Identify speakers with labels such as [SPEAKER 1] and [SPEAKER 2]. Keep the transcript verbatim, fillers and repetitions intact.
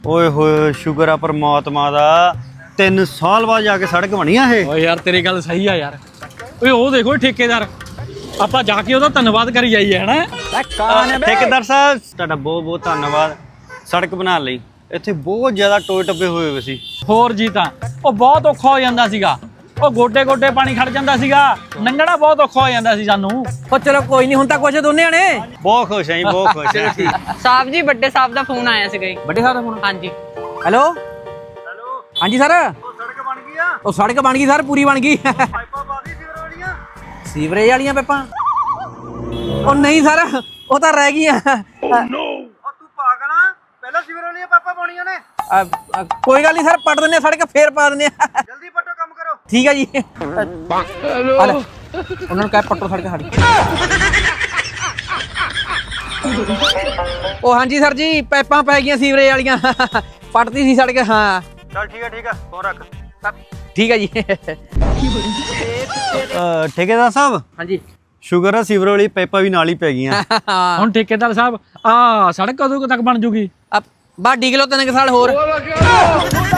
[SPEAKER 1] ਓਏ ਹੋਏ ਸ਼ੁਕਰ ਆ ਪਰਮਾਤਮਾ ਦਾ तीन साल बाद जाके सड़क बनी है।
[SPEAKER 2] ਓ ਯਾਰ ਤੇਰੀ ਗੱਲ ਸਹੀ ਆ ਯਾਰ। ਓਏ ਉਹ ਦੇਖੋ ਠੇਕੇਦਾਰ ਆਪਾਂ ਜਾ ਕੇ ਉਹਦਾ ਧੰਨਵਾਦ ਕਰੀ ਜਾਈਏ ਹਨਾ।
[SPEAKER 1] ठेकेदार साहब ਤੁਹਾਡਾ ਬਹੁਤ ਬਹੁਤ ਧੰਨਵਾਦ ਸੜਕ ਬਣਾਉਣ ਲਈ। ਇੱਥੇ ਬਹੁਤ ਜ਼ਿਆਦਾ ਟੋਏ ਟੱਪੇ ਹੋਏ ਹੋਏ ਸੀ।
[SPEAKER 2] ਹੋਰ ਜੀ ਤਾਂ ਉਹ ਬਹੁਤ ਔਖਾ ਹੋ ਜਾਂਦਾ ਸੀਗਾ। ਉਹ ਗੋਡੇ ਗੋਡੇ ਪਾਣੀ ਖੜ ਜਾਂਦਾ ਸੀਗਾ, ਲੰਘਣਾ ਬਹੁਤ ਔਖਾ ਹੋ ਜਾਂਦਾ ਸੀ ਸਾਨੂੰ।
[SPEAKER 3] ਉਹ ਚਲੋ ਕੋਈ ਨਹੀਂ, ਹੁਣ ਤਾਂ ਕੁਛ ਦੋਨੇ ਨੇ
[SPEAKER 1] ਬਹੁਤ ਖੁਸ਼ ਆਂ ਜੀ, ਬਹੁਤ ਖੁਸ਼ ਆਂ।
[SPEAKER 4] ਸਾਹਿਬ ਜੀ ਵੱਡੇ ਸਾਹਿਬ ਦਾ ਫੋਨ ਆਇਆ ਸੀਗਾ ਜੀ।
[SPEAKER 3] ਵੱਡੇ ਸਾਹਿਬ ਦਾ ਫੋਨ?
[SPEAKER 4] ਹਾਂਜੀ।
[SPEAKER 3] ਹੈਲੋ
[SPEAKER 1] ਹੈਲੋ
[SPEAKER 3] ਹਾਂਜੀ ਸਰ।
[SPEAKER 1] ਉਹ ਸੜਕ ਬਣ ਗਈ ਆ?
[SPEAKER 3] ਉਹ ਸੜਕ ਬਣ ਗਈ ਸਰ, ਪੂਰੀ ਬਣ ਗਈ।
[SPEAKER 1] ਪਾਈਪਾਂ ਪਾ ਦੀ ਸੀਵਰ ਵਾਲੀਆਂ?
[SPEAKER 3] ਸੀਵਰੇਜ ਵਾਲੀਆਂ ਪਾਈਪਾਂ? ਉਹ ਨਹੀਂ ਸਰ, ਉਹ ਤਾਂ ਰਹਿ ਗਈਆਂ।
[SPEAKER 1] ਉਹ ਤੂੰ ਪਾਗਲ ਆ, ਪਹਿਲਾਂ ਸੀਵਰ ਵਾਲੀਆਂ ਪਾਈਪਾਂ ਪਾਉਣੀਆਂ ਨੇ।
[SPEAKER 3] ਅ, ਅ, ਕੋਈ ਗੱਲ ਨਹੀਂ ਸਰ, ਪੱਟ ਦਿੰਦੇ ਆ ਸੜਕ, ਫੇਰ ਪਾ ਦਿੰਦੇ ਆ।
[SPEAKER 1] ਜਲਦੀ ਪੱਟੋ, ਕੰਮ ਕਰੋ।
[SPEAKER 3] ਠੀਕ ਹੈ ਜੀ। ਆ ਲੈ, ਉਹਨਾਂ ਨੂੰ ਕਹਿ ਪੱਟੋ ਸੜਕ ਸਾਡੀ। ਉਹ ਹਾਂਜੀ ਸਰ ਜੀ, ਪਾਈਪਾਂ ਪੈ ਗਈਆਂ ਸੀਵਰੇਜ ਵਾਲੀਆਂ, ਪੱਟਦੀ ਸੀ ਸੜਕ। ਹਾਂ
[SPEAKER 1] ਚੱਲ ਠੀਕ ਹੈ ਠੀਕ ਹੈ, ਫੋਨ ਰੱਖ।
[SPEAKER 3] ਠੀਕ ਹੈ ਜੀ।
[SPEAKER 1] ਠੇਕੇਦਾਰ ਸਾਹਿਬ
[SPEAKER 3] ਹਾਂਜੀ
[SPEAKER 1] ਸ਼ੁਕਰ ਆ ਸੀਵਰ ਵਾਲੀ ਪਾਈਪਾਂ ਵੀ ਨਾਲ ਹੀ ਪੈ ਗਈਆਂ।
[SPEAKER 2] ਹੁਣ ਠੇਕੇਦਾਰ ਸਾਹਿਬ ਆ ਸੜਕ ਕਦੋਂ ਕੁ ਤੱਕ ਬਣ ਜੂਗੀ?
[SPEAKER 3] ਬਾ ਡੀਕ ਲੋ ਤਿੰਨ ਕੁ ਸਾਲ ਹੋਰ।